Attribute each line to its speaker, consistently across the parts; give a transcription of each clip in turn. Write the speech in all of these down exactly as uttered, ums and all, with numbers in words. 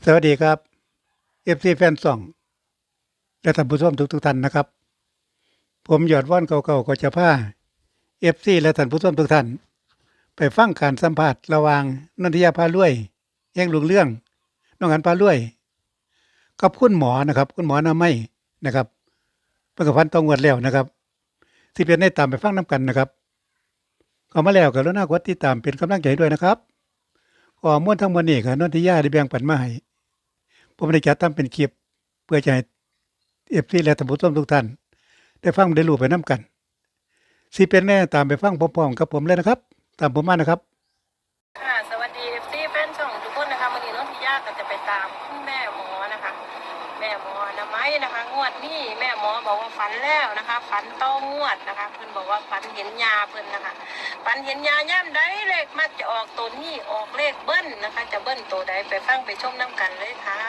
Speaker 1: สวัสดีครับ เอฟ ซี แฟนซ่องและท่านผู้ชมทุกๆท่านนะครับ ผมยอดว่อนเก่าๆก็จะพา เอฟ ซี และท่านผู้ชมทุกท่าน ไปฟังการสัมภาษณ์ระหว่างนนทิยาพารวยแห่งรุ่งเรืองน้องอันพารวยกับคุณหมอนะครับ คุณหมออนามัยนะครับเพิ่นก็พันต้องงวดแล้วนะครับ สิเป็นได้ตามไปฟังนํกันนะครับเข้ามาแล้วก็กรุณากดติดตามเป็นกำลังใจด้วยนะครับข้อมูลทั้งหมดนี้ก็นนทิยาได้แบ่งปันมาให้ผมได้จัดทำเป็นคลิปเพื่อจะให้ เอฟ ซี และท่านผู้ชมทุกท่านได้ฟังได้รู้ไปนํกันสิเป็นแน่ตามไปฟังพร้อมๆกับผมเลยนะครับ ตามผมมานะครับ
Speaker 2: ค่ะสวัสดี เอฟ ซี แฟนช่องทุกคนนะคะวันนี้น้องทิยาก็จะไปตามคุณแม่หมอนะคะ แม่หมออนามัยนะคะ งวดนี้แม่หมอบอกว่าฝันแล้วนะคะฝันต้องงวดนะคะเพิ่นบอกว่าฝันเห็นยาเพิ่นนะคะฝันเห็นยาย่ำใดเลขมักจะออกตัวนี้ออกเลขเบิ้ลนะคะ จะเบิ้ลตัวใดไปฟังไปชมน้ำกันเลยค่ะ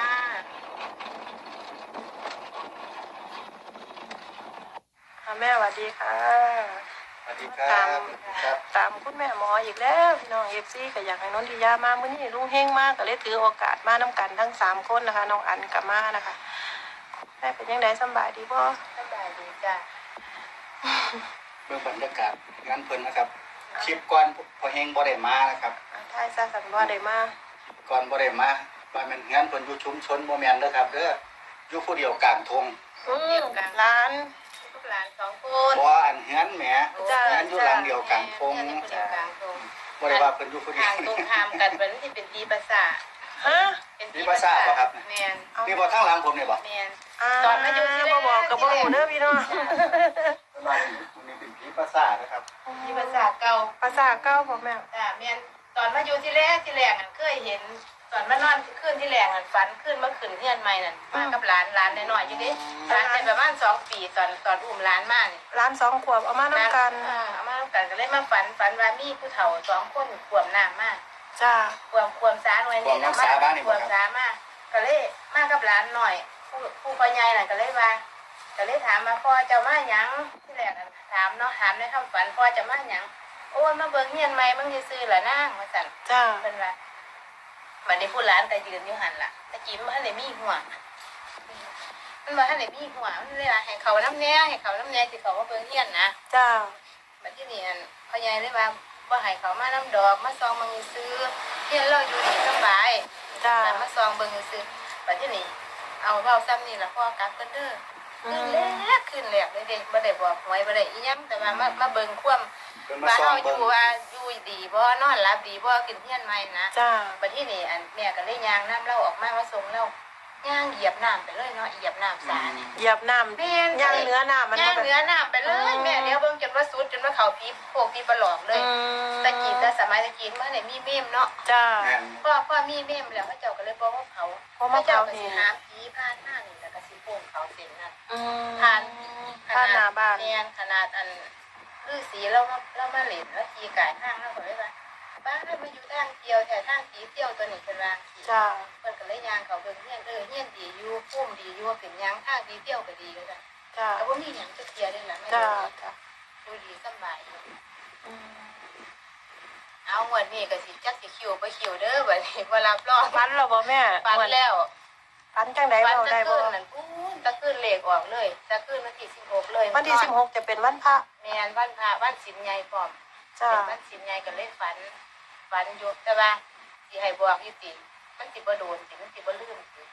Speaker 2: ค่ะแม่สวัสดีค่ะ
Speaker 3: สวัสดีครั
Speaker 2: ตาม
Speaker 3: บครับ
Speaker 2: ตามคุณแม่หมออีกแล้วพี่น้องเอฟซีก็อยากให้น้องทิยามามื้อนี้ลุงเฮงมากก็เลยถือโอกาสมาน้ำกันทั้งสามคนนะคะน้องอันกับมานะคะแม่เป็นยังไงสบายดีบ่สบายดีจ้ะ
Speaker 3: เบื้องบรรยากาศงานเพิ่นนะครับคลิปก่อนพอเฮงบ่ได้มานะครับ
Speaker 2: ทายซะสันว่าได้มา
Speaker 3: ก่อนบ่ได้มาว่ามันงานเพิ่นอยู่ชุมชนบ่แม่นเด้อครับเด้ออยู่ผู้เดียวกลางทง
Speaker 2: อืมร้านลูกหลานสองคน
Speaker 3: บ่อันเฮือนแหม
Speaker 2: จ้ะ
Speaker 3: งานอยู่หลังเดียวกลางทง
Speaker 2: จ้ะกลางทง
Speaker 3: บ่ได้ว่าเพิ่นอยู่ผู้เดียว
Speaker 4: ทางตรงข้ามกันเป็นที่เป็นปีภาษา
Speaker 2: ฮะ
Speaker 4: เป็น
Speaker 3: มีภาษาบ่ครับ
Speaker 4: แมน
Speaker 3: นี่บ่ทางหลังผมนี่บ่
Speaker 4: แมน
Speaker 2: ตอนมาอยู่ที่บ่บอกกับบ่ฮู้เด้อพี่น้อง
Speaker 3: มานี่เป็นผีภาษานะครับ
Speaker 4: ปีภาษาเก่า
Speaker 2: ภาษาเก่าบ่แม่
Speaker 4: จ้ะแมนตอนมาอยู่ที่แรกที่แรกอ่ะเคยเห็น ตอนมานอนขึ้นที่แรกอ่ะฝันขึ้นเมื่อคืนเที่ยนใหม่นั่นมากับหลานหลานน้อยๆอยู่ดิหลานเป็นประมาณสองปีตอนตอนอุ้มหลานมานี่
Speaker 2: ร้านสองขวบเอามานํกัน
Speaker 4: อ่าเอามาทำกันก็เลยมาฝันฝันว่ามีผู้เฒ่าสองคนขวมน้ำมา
Speaker 2: จ้า
Speaker 4: ขวมขวมสาหน่วยนี่นะมาขวมสามาก็เลยมากับหลานหน่อยผู้ผู้พ่อใหญ่น่ะก็เลยว่า ก็เลยถามมาพ่อเจ้ามาหยังที่แรกอะถามเนาะถามในคำฝันพ่อเจ้ามาหยังโอ้ยมาเบิ่งเฮียนใหม่มึงซื้อๆล่ะนางว่าซั่น
Speaker 2: จ้า
Speaker 4: เพิ่นว่าบัดนี้ผู้หลานก็ยืนอยู่หั่นล่ะตะกี้มันบ่ทันได้มีหัวมันบ่ทันได้มีหัวมันเลยว่าให้เขาน้ำแน่ให้เขาน้ำแน่สิเขามาเบิ่งเฮียนนะ
Speaker 2: จ้า
Speaker 4: บัดทีนี้อั่นพ่อใหญ่เลยว่าบ่ให้เขามาน้ำดอกมาซองมึงซื้อเฮียนเราอยู่ดีสบาย
Speaker 2: จ้า
Speaker 4: แล้วมาซองเบิ่งซื้อบัดทีนี้เอาเว้าซ้ำนี่ล่ะพ่อกลับกันเด้อ ขึ้นแรกขึ้นแรกเลยเด็กบ่ได้บอกหวยบ่ได้อีหยังแต่ว่ามามาเบิ่งความ
Speaker 3: เพิ่นมา
Speaker 4: ว่า
Speaker 3: ซ่อ
Speaker 4: เฮาม อ
Speaker 3: เบิ่ง
Speaker 4: ยู่ว่าอยู่ดีบ่นอนหลับดีบ่กินเฮียนใหม่นะ
Speaker 2: จ้า
Speaker 4: บัดทีนี้อันแม่ก็เลยย่างน้ำเราออกมามาส่งเราย่างเหยียบน้ำไปเลยเนาะเหยียบน้ำสานี่
Speaker 2: เหยียบน้ำ
Speaker 4: แม่น
Speaker 2: ย่างเนื้อน้ำมัน
Speaker 4: ย่าง
Speaker 2: บ่
Speaker 4: เนื้อน้ำไปเลยแม่เดี๋ยวเบิ่งจนว่าสุดจนว่าเขาพีโพกพีปลอกเลย
Speaker 2: อืม
Speaker 4: ตะกี้แต่สมัยตะกี้มันได้มีเมมเนาะ
Speaker 2: จ้า
Speaker 3: แม่น
Speaker 4: พ่อพ่อมีเมมแล้วพระเจ้าก็เลยบอกว่าเผา
Speaker 2: เพราะ
Speaker 4: พ
Speaker 2: มา
Speaker 4: ระเจ้า
Speaker 2: เผา
Speaker 4: ก็
Speaker 2: เอ
Speaker 4: สิ
Speaker 2: ง
Speaker 4: หาผีผ่านหน้านี่แล้วก็สิโป่งเขาเส้นนั่น
Speaker 2: อืม
Speaker 4: ผ่าน
Speaker 2: ผ่านหน้าบ้าน
Speaker 4: แม่นขนาดอันฤาษีเรามาเรามาเล่นแล้วขี่กายห้างเราก็เลยว่าบ้านเรามาอยู่ทางเที่ยวแต่ทางผีเที่ยวตัวนี้เป็นว่าขี่
Speaker 2: จ้า
Speaker 4: เพิ่นก็เลยย่างเขาเบิ่งเฮียนเออเฮียนดีอยู่พุ่มดีอยู่เป็นหยังทางผีเที่ยวก็ดีก็จ้ะ
Speaker 2: จ้า
Speaker 4: แต่บ่มีหยังจะเที่ยวได้ล่ะแม่
Speaker 2: จ้าจ้า
Speaker 4: ดูดีสบายอยู่
Speaker 2: อืม
Speaker 4: เอางวดนี้ก็สิจักสิคิวบ่คิวเด้อบัดนี้บ่รับรอง
Speaker 2: ฟันเราบ่แม่
Speaker 4: ฝันแล้ว
Speaker 2: ฟันจังได๋
Speaker 4: ฝัน
Speaker 2: เว้า
Speaker 4: ตะ
Speaker 2: ได้บ่
Speaker 4: คืนนั่นปูนตะคืนเลขออกเลยตะคืนวันที่สิบหกเลย
Speaker 2: วันที่สิบหกจะเป็นวันพระ
Speaker 4: แม่นวันพระวันศีลใหญ่พร้อม
Speaker 2: จ้า
Speaker 4: เป็นวันศีลใหญ่ก็เลยฝันฝันอยู่แต่ว่าสิให้บอกอยู่ติมันสิบ่โดนสิมันสิบ่ลืมสิ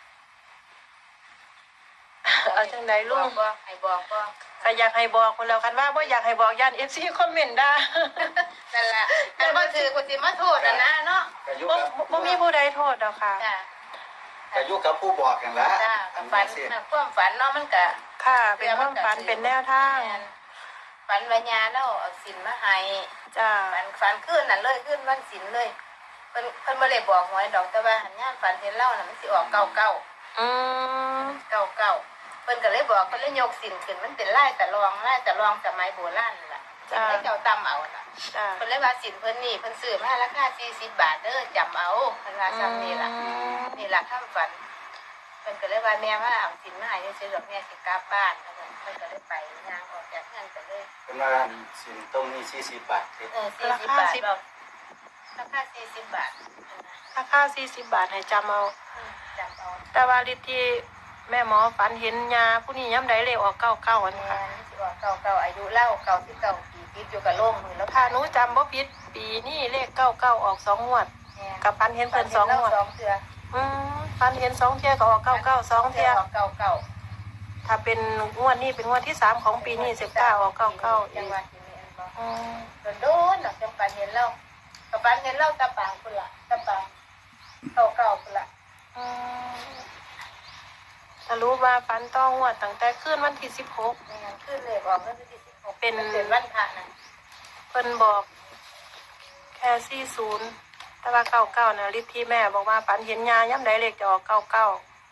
Speaker 2: เอาจังได๋ลุง
Speaker 4: บอกบ่ให้บอกบ่
Speaker 2: ก็อยากให้บอกคนแล้วคันว่าบ่อยากให้บอกย่าน เอฟ ซี คอมเมนต์ด่า
Speaker 4: นั่นล่ะอันบ่ถือกูสิมาโทษน่ะนะเนาะ
Speaker 3: ก็อยู่
Speaker 2: บ่
Speaker 3: กับ
Speaker 2: บ่มีผู้ใดโทษดอกค่ะ
Speaker 4: จ้า
Speaker 3: ก็อยู่กับผู้บอกกันละ
Speaker 4: จ้า
Speaker 3: อั
Speaker 4: ก็
Speaker 3: น
Speaker 4: ฝั
Speaker 3: นี้
Speaker 4: น
Speaker 3: สิ
Speaker 4: น่ะความฝันเนาะมันก็
Speaker 2: ค่ะ เป็นความฝันเป็นแนวทาง
Speaker 4: แม่นฝันว่าญาเราเอาศีลมาให้
Speaker 2: จ้า
Speaker 4: ฝันฝันคืนนั่นเลยคืนวันศีลเลยเพิ่นเพิ่นบ่ได้บอกหวยดอกแต่ว่าหันยามฝันเห็นเล่าน่ะมันสิออกเก้าเก้า
Speaker 2: อืม
Speaker 4: เก้าเก้าเพิ่นก็เลยบอกเพิ่นเลยยกศีลขึ้นมันเป็นลายตะลองลายตะลองสมัยโบราณนั่นล่ะ
Speaker 2: จ้า
Speaker 4: ให้เจ้าตำเอาน่ะ
Speaker 2: จ้า
Speaker 4: เพิ่นเลยว่าศีลเพิ่นนี่เพิ่นซื้อมาราคาสี่สิบบาทเด้อจำเอาเพิ่นว่าซ้ำนี่ล่ะนี่ล่ะคำฝันเพิ่นก็เลยว่าแม่ว่าเอาศีลมาให้ซื่อๆดอกแม่สิกลับบ้านเพิ่นเพิ่นก็เลยไปย่างออกจากเรือนก็เลย
Speaker 3: เป็นว่าสินต้มนี่สี่สิบบาทเด้
Speaker 4: เออสี่สิบบาทดอกราคาสี่สิบบาท
Speaker 2: ราคาสี่สิบบาทให้จำเอา
Speaker 4: อืมจำเอา
Speaker 2: แต่ว่าฤทธิ์ที่แม่หมอฝันเห็นยาผู้นี้ย้ำใดเลขออกเก้าเก้าอัน
Speaker 4: แม่
Speaker 2: ค่ะ
Speaker 4: นสิว่าเก่าเก่าอายุเล่าเก่าที่เก่าปีติดอยู่กับโรงมือแล้ว
Speaker 2: ถ้าหนูจำบ่ผิดปีนี้เลขเก้าเก้าออกสองงวด กับฝันเห็นเพิ่นสองงวด
Speaker 4: สองเทื่อ
Speaker 2: อืมฝันเห็นสองเที่ยก็ออกเก้าเก้าสองเที่ย
Speaker 4: เก่าเก่า
Speaker 2: ถ้าเป็นงวดนี้เป็นงวดที่สามของปีนี้สิบเก้าออกเก้าเก้า
Speaker 4: จั
Speaker 2: อี
Speaker 4: ง
Speaker 2: ก
Speaker 4: หวัดที่นี่บ่
Speaker 2: อืม
Speaker 4: โดนๆดอกจังปันเห็นเรากับปันเห็นเราตะปางพุ่นล่ะตะปางเก่าเก่าพุ่นล่ะ
Speaker 2: อืมสรุปว่าฝันต้องงวดตั้งแต่คืนวันที่สิบหก
Speaker 4: ไม่งั้นขึ้นเลยบอกว่าวันที่สิบหก
Speaker 2: เป็น
Speaker 4: มันเป็นวันพระน่ะ
Speaker 2: เพิ่นบอกแค่สี่ศูนย์แต่ว่าเก้าเก้านะฤทธิ์ที่แม่บอกว่าฝันเห็นยาย้ำใดเลขจะออกเก้าเก้า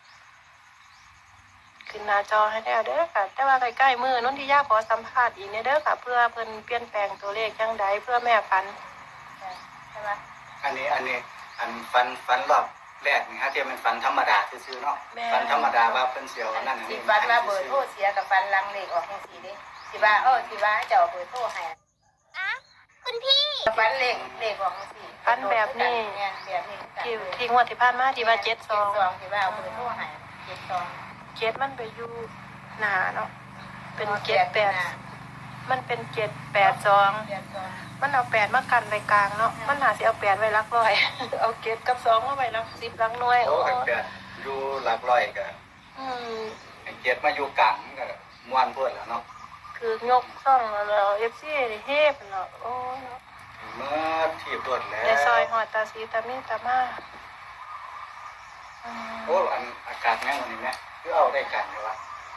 Speaker 2: ขึ้นหน้าจอให้แล้วเด้อค่ะ แต่ว่าใกล้ๆมือนนทิยาขอสัมภาษณ์อีกเนี่ยเด้อค่ะ เพื่อเพิ่นเปลี่ยนแปลงตัวเลขจังใดเพื่อแม่ฝัน
Speaker 4: ใช่ไหม
Speaker 3: อันนี้อันนี้อันฟันฟันรอบแรกนี่ฮะที่มันฟันธรรมดาซื่อๆเนาะ
Speaker 2: แม่
Speaker 3: ฟันธรรมดาว่าเพิ่นเสียวนั่นอัน
Speaker 4: สิ
Speaker 3: นี้
Speaker 4: ฟันมาเบอร์โทรเสียกับฟันลังเลขออกจังซี่เด้สิว่าเออสิว่าให้เจ้าเอาเบอร์โทรให้คุณพี่ฟันเลขเลขออกจังซี่
Speaker 2: ฝันแบบนี้
Speaker 4: เนี่ยแบบนี้กัน
Speaker 2: ที่ที่งวดที่ผ่านมาที่ว่าเจ็ดสอง
Speaker 4: เจ็ดสองสิว่าเอาเบอร์โทรให้เจ็ดสอง
Speaker 2: เจ็ดมันไปอยู่หนาเนาะเป็นเจ็ดแปดมันเป็นเจ็ดแปดสอง
Speaker 4: เจ็ดสอง
Speaker 2: มันเอาแปดมากันไว้กลางเนาะ มันหาสิเอาแปดไว้หลักร้อย เอาเก็บกับสองมาไว้หลักสิบหลักหน่วย
Speaker 3: โอ้
Speaker 2: โอ้
Speaker 3: กันแปดอยู่หลักร้อยก็
Speaker 2: อืม
Speaker 3: เจ็ดมาอยู่กลางก็ม่วนเพิ่นแล้วเนาะ
Speaker 2: คือยกซ่องแล้วเอฟซีเฮฟเนาะโอ้ยเนาะ
Speaker 3: เมื่อที่ตรวจแล้ว
Speaker 2: ในซอยหอดตาสีตามีตามาอืม
Speaker 3: โอ้อันอากาศแม่งวันนี้แม่คือเอาได้กันเลยวะ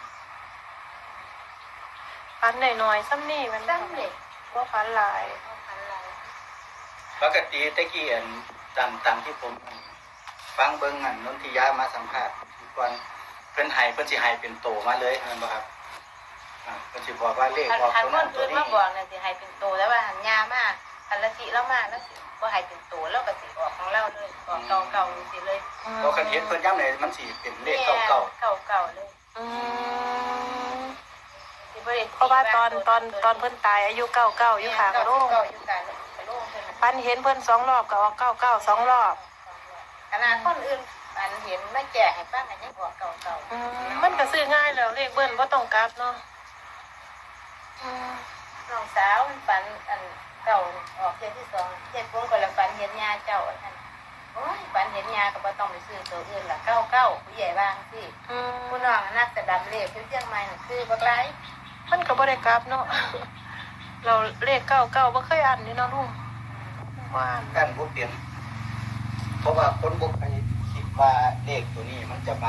Speaker 2: ฟันหน่อยๆซ้ำนี่มัน
Speaker 4: ซ้ำเด็ก
Speaker 2: ว่าฟันหลาย
Speaker 4: เอาพันไร
Speaker 3: ปกติตะกี้อันตามตามที่ผมอันฟังเบิ่งอันนนทิยามาสัมภาษณ์ก่อนเพิ่นให้เพิ่นสิให้เป็นโตมาเลยแม่นบ่ครับอ่าเพิ่นสิบอกว่าเลข
Speaker 4: หัน
Speaker 3: ออก
Speaker 4: หัน
Speaker 3: ตัว
Speaker 4: ค
Speaker 3: นั้น
Speaker 4: น
Speaker 3: ตัว
Speaker 4: อื่น
Speaker 3: นี้
Speaker 4: มาบอกเนี่ยสิให้เป็นโตแล้วว่าหันยามากหันละสิแล้วมาแล้วสิบ่ให้เป็นโตแล้วก็สิออกของเราเลยออกเก่าเก่าสิเลย
Speaker 3: เราคันเห็นเพิ่นย้ำเลยมันสิเป็นเลขเก่า
Speaker 4: เก่าเก่าเลย
Speaker 2: อืม
Speaker 4: สิบ่ได้
Speaker 2: เพราะว่าตอนตอนตอนเพิ่นตายอายุเก้าเก้าอยู่ขางโลง
Speaker 4: เก่าอยู่กลางโล่งเพิ่นน่ะ
Speaker 2: ฟันเห็นเพิ่นสองรอบก็ออกเก้าเก้าสองรอบ
Speaker 4: ขนาดคนอื่นอันเห็นไม่แจกให้ป้ากันยังออกเก่าเก่า
Speaker 2: อืมมันก็ซื้อง่ายแล้วเลขเบิ้ลบ่ต้องกลับเนาะอืม
Speaker 4: น้องสาวมันฝันอันเก่าออกเดือนที่สองเจ็ดวงก็ละฝันเห็นยาเจ้าอันนั้นโอ้ยฝันเห็นยาก็บ่ต้องไปซื้อตัวอื่นละเก้าเก้าผู้ใหญ่บ้างสิ
Speaker 2: อืม
Speaker 4: ผู้น้องนักแต่ดำเลขเชียงใหม่น่ะคือบักไร
Speaker 2: มันก็บ่ได้กลับเนาะ เราเลขเก้าเก้าบ่เคยอ่านนี่เนาะลุงว่า
Speaker 3: กันบ่เปลี่ยนเพราะว่าคนบ่ไปคิดว่าเลขตัวนี้มันจะมา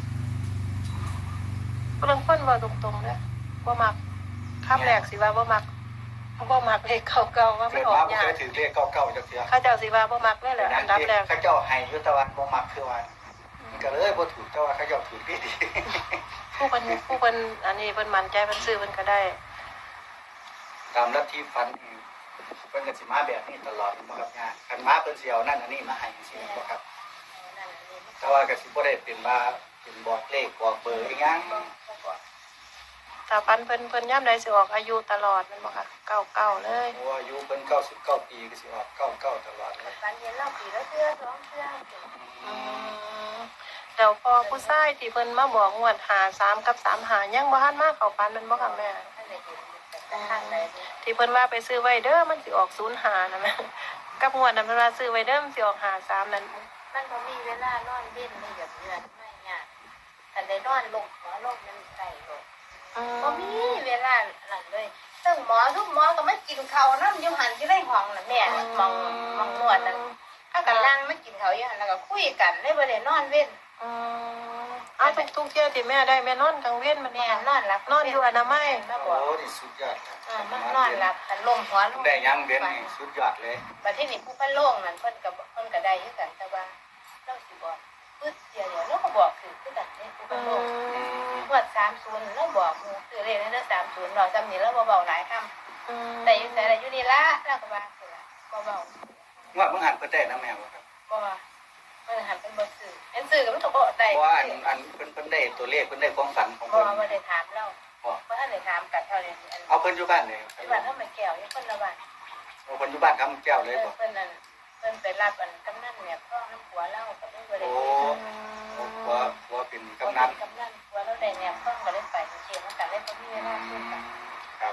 Speaker 2: เรื่องเพิ่นว่าตรงๆเด้อบ่มักคำแรกสิว่าบ่มักบ่มักเลขเก้าเก้าว่ามั
Speaker 3: เกิ
Speaker 2: น
Speaker 3: ด
Speaker 2: ออ
Speaker 3: มาก บ่
Speaker 2: ยา
Speaker 3: เค
Speaker 2: ก
Speaker 3: ยถือเลขเก่าๆจักเทื่อ
Speaker 2: เขาเจ้าสิว่าบ่มักเลยแหละอันดับแรก
Speaker 3: เขาเจ้าให้อยู่แต่ว่าบ่มักคือว่ามันก็เลยบ่ถูกแต่ว่าเขาเจ้าถูกดีดี
Speaker 2: ผู้เพิ่นผู้เพิ่นอันนี้เพิ่นมั่นใจเพิ่นซื้อเพิ่นก็ได้
Speaker 3: ตามลัทธิฟันนี่เพิ่นก็สิมาแบบนี้ตลอดบ่ครับย่าคันมาเพิ่นสิเอานั่นอันนี้มาให้จังซี่บ่ครับ
Speaker 4: นั่นนี่
Speaker 3: แต่ว่าก็สิบ่ได้เป็นว่าเป็นบอกเลขบอกเบอร์อีหยัง
Speaker 2: ถ้าฟันเพิ่นเพิ่นย่ํใดสิออกอายุตลอดแม่นบ่ค่ะเก้าเก้าเลย
Speaker 3: เพราะว่าอายุเพิ่นเก้าสิบเก้าปีก็สิออกเก้าเก้าตลอดเลย
Speaker 4: ฝันเห็นเราปีละเทื่อสองเทื่อ
Speaker 2: อืมแล้วพอผู้ชายที่เพิ่นมาบอกงวดหาสามกับสามหายังบ่ทันมาเข้าฝันแม่นบ่ค่ะแม่
Speaker 4: ท่านได้เห็นแต่ทางใด
Speaker 2: ที่เพิ่นว่าไปซื้อไว้เด้อมันสิออกศูนย์หานะแม่ กับงวดนั้นเพิ่นว่าซื้อไว้เด้อมันสิออกหาสามนั่น
Speaker 4: มันบ่มีเวลานอนเว้นไม่หยับเยือนไม่ยากคันได้นอนลงหัวลงมันใส่ลง
Speaker 2: อื
Speaker 4: บ่มีเวลานั่นเลยซึ่งหมอทุกหมอก็มากินข้าวนำอยู่หันที่ได้ห้องน่ะแม่น่ะมองมองนวดนั่นถ้ากันนั่งมากินข้าวอยู่หันแล้วก็คุยกันเลยบ่ได้นอนเว้น
Speaker 2: อืมเอาทุกทุกๆเที่ยที่แม่ได้แม่นอนกลางเว้นมัน
Speaker 4: แม่
Speaker 2: แม่
Speaker 4: นอนหลับ
Speaker 2: นอนอยู่อนามัย
Speaker 4: มาบ
Speaker 3: โอ้
Speaker 4: อก
Speaker 3: นี่สุดยอดครับ
Speaker 4: อ่ามันนอนหลับแต่ลมหัวลง
Speaker 3: ได้ยังเว้นนี่สุดยอดเลย
Speaker 4: บัดที่นี่ผู้พันโล่งนั่นเพิ่นก็เพิ่นก็ได้คือกันแต่ว่าเราสิบอกปึ๊ดเดียวเดียวเราก็บอกคือคือกันนี่ผู้พั
Speaker 2: อื
Speaker 4: นโล่ง
Speaker 2: ม
Speaker 4: งวดสามศูนย์เราบอกหมู่ซื้อเลขนั้นสามศูนย์เราจำนี้เราเบาๆหลายคำ
Speaker 2: อืม
Speaker 4: แต่อยู่แต่ละอยู่นี่ละเราก็ว่าคือละเบา
Speaker 3: ว่าเพิ่งหันเพิ่นได้นะแม่บ่ครับ
Speaker 4: ๆบ่ว่าเพิ่นหันเป็นบ่ซื้ออันซื้อก็มันก็บ่ได้
Speaker 3: เพราะว่าอันอันเพิ่นเพิ่นได้ตัวเลขเพิ่นได้ความฝันของ
Speaker 4: บ่
Speaker 3: เพิ่น
Speaker 4: ว่าบ่ได้ถามเรา
Speaker 3: บ่
Speaker 4: บ่ทันได้ถามกันเท่านี้อัน
Speaker 3: เอาเพิ่นอยู่บ้านเลย
Speaker 4: ที่บ้านเฮาไม่แก้วอยู่คนละบ้าน
Speaker 3: เอาเพิ่นอยู่บ้านคำแก้วเลยบ่
Speaker 4: เพิ่นนั่นเพิ่นไปรับอันกำนันแหนบท้องน้ำผัวเล่าก็เลยบ่ได้
Speaker 3: โอ้
Speaker 4: ไป
Speaker 3: ว่าว่าเป็น
Speaker 4: กำ
Speaker 3: กำ
Speaker 4: นั
Speaker 3: นั
Speaker 4: น
Speaker 3: น
Speaker 4: กำนันผัวเราได้แหนบท้องก็เลยไปเกี่ยวกันเลยบ่มีเวลาคุยกัน
Speaker 3: ครับ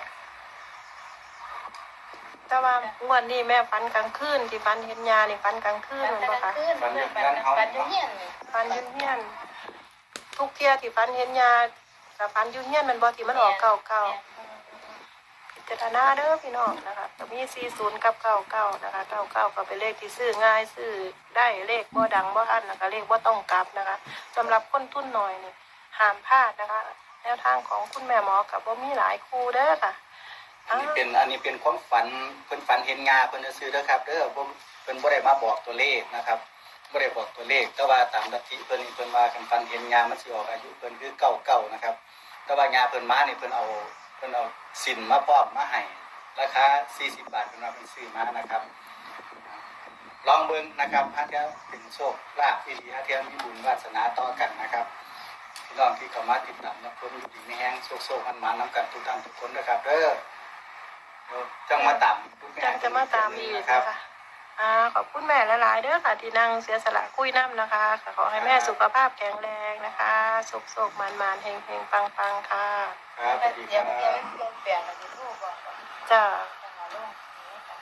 Speaker 2: แต่ว่างวดนี้แม่ฝันกลางคืนที่ฝันเห็นยานี่ฝันกลางคืน
Speaker 4: มัน
Speaker 2: แม่น
Speaker 4: ก
Speaker 2: บ่
Speaker 4: ลาง
Speaker 2: คะ
Speaker 4: คืนเพื่อนปันปันอยู่เฮียนนี่
Speaker 2: ฝันอยุ่เฮียนทุกเที่ยที่ฝันเห็นยากับฝันอยู่เฮียนแมันบ่ที่มันออกเก่าเก่าพิจารณาเด้อพี่น้องนะคะก็มีสี่สิบกับเก้าเก้านะคะเก้าเก้าก็เป็นเลขที่ซื้อง่ายซื้อได้เลขบ่ดังบ่อั้นนะคะเลขบ่ต้องกลับนะคะสำหรับคนทุนน้อยนี่ห้ามพลาดนะคะแนวทางของคุณแม่หมอกับบ่มีหลายคู่เด้อค่ะ
Speaker 3: อันนี้เป็นอันนี้เป็นความฝันเพิ่นฝันเห็นงาเพิ่นจะซื้อเด้อครับเด้อบ่เพิ่นบ่ได้มาบอกตัวเลขนะครับบ่ได้บอกตัวเลขแต่ว่าตามลัทธิเพิ่นนี่เพิ่นว่าคันฝันเห็นงามันสิออกอายุเพิ่นคือเก้าเก้านะครับแต่ว่างาเพิ่นมานี่เพิ่นเอาเพิ่นเอาสินมาพร้อมมาให้ราคาสี่สิบบาทเพิ่นว่าเพิ่นซื้อมานะครับลองเบิ่งนะครับหาเที่ยวเป็นโชคลาภที่ดีหาเที่ยวมีบุญวาสนาต่อกันนะครับพี่น้องที่เข้ามาติดตามรับชมอยู่ดีมีแฮงโชคๆมันมานํกันทุกท่านทุกคนนะครับเด้อจังมาตาม
Speaker 2: จังจะมาตามอีกนะคะ อ่าขอบคุณแม่หลายๆเด้อค่ะที่นั่งเสียสละคุยน้ำนะคะค่ะขอให้แม่สุขภาพแข็งแรงนะคะสุขสุขมันมันๆเฮงเฮงปังปังๆค่ะ
Speaker 3: ครับสวัสดี
Speaker 4: เดี๋
Speaker 3: ค
Speaker 4: ยว
Speaker 3: รับ
Speaker 4: เดี๋ยวมันลงเปลี่ยนแล้วสิโทรบอกว่า
Speaker 2: จ้า
Speaker 4: จะหาลงนี้ค่ะ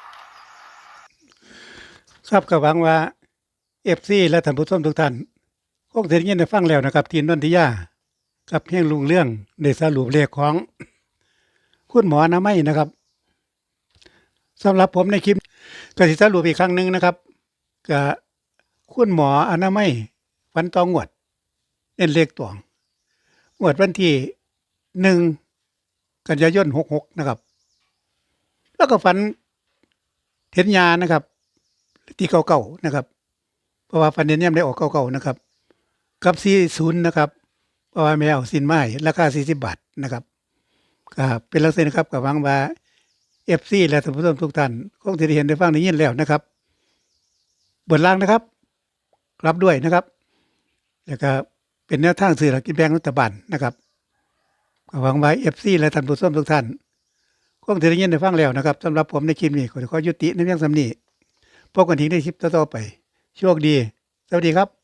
Speaker 1: ครับก็หวังว่า เอฟ ซี และท่านผู้ชมทุกท่านคงสิได้ยินได้ฟังแล้วนะครับที่นนทิยากับเพียงลุงเรื่องได้สรุปเลขของ คุณหมออนามัยนะครับสำหรับผมในคลิปก็สิสรุปอีกครั้งหนึงนะครับก็คุณหมออนามัยฟันตองงวดเน้นเลขตวงงวดวันที่หนึ่งกันยายนหกหกนะครับ แล้วก็ฝันเห็นยานะครับ ที่เก่าๆนะครับ เพราะว่าฟันเห็นยามได้ออกเก่าๆนะครับ กับสี่สิบนะครับ เพราะว่าแมวสินไม้ราคาสี่สิบบาทนะครับก็เป็นลักษณะนะครับก็หวังว่า เอฟ ซี และท่านผู้ชมทุกท่านคงจะได้เห็นได้ฟังได้ยินแล้วนะครับบนล่างนะครับรับด้วยนะครับแล้วก็เป็นแนวทางสื่อหลักกินแบ่งรัฐบาลนะครับก็หวังว่า เอฟ ซี และท่านผู้ชมทุกท่านคงจะได้ยินได้ฟังแล้วนะครับสำหรับผมในคลิปนี้ขอขอยุติในเพียงสำนี้พบกันทีในคลิปต่อๆไปโชคดีสวัสดีครับ